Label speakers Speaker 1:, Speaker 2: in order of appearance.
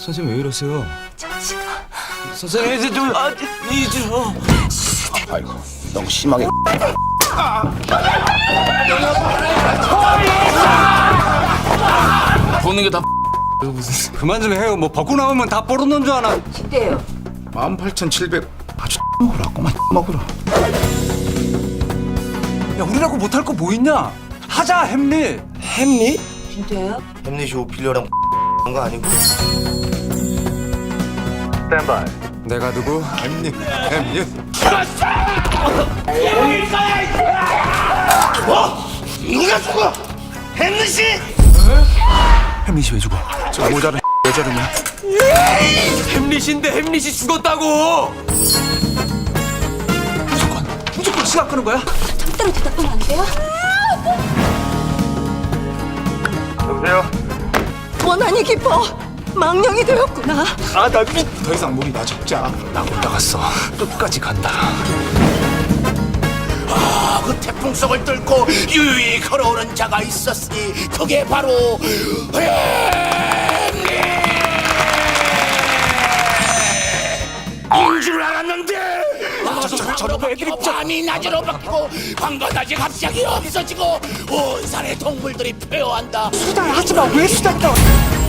Speaker 1: 선생님 왜 이러세요?
Speaker 2: 정신아.
Speaker 1: 선생님 이제 좀
Speaker 3: 아이고, 너무 심하게.
Speaker 1: 보는 게 다 무슨 그만 좀 해요. 뭐 벗고 나오면 다 뽀르는 줄 아나.
Speaker 2: 10대예요.
Speaker 3: 18,700. 아주 먹으라, 꼬만 먹으라.
Speaker 1: 야 우리라고 못할 거 뭐 있냐? 하자 햄릿.
Speaker 3: 햄릿?
Speaker 2: 진짜예요?
Speaker 3: 햄릿이 오피려랑 거 아니고?
Speaker 1: 내가 누구?
Speaker 3: 햄릿. 누가 죽어? 햄릿이?
Speaker 1: 햄릿이 왜 죽어?
Speaker 3: 저 모자는 왜 저러냐?
Speaker 1: 햄릿인데 햄릿이 죽었다고. 무조건 시간 끄는 거야?
Speaker 2: 절대로 대답하면 안 돼요?
Speaker 1: 여보세요?
Speaker 2: 원한이 깊어. 망령이 되었구나.
Speaker 3: 더 이상 무리 나 잡자.
Speaker 1: 나 못 나갔어. 끝까지 간다.
Speaker 4: 그 태풍 속을 뚫고 유유히 걸어오는 자가 있었으니 그게 바로 인줄 알았는데 저런 애들이 밤이 낮으로 바뀌고 광과낮이 갑자기 없어지고 온 산의 동물들이 폐허한다.
Speaker 2: 수달 하지 마. 왜 수달이다?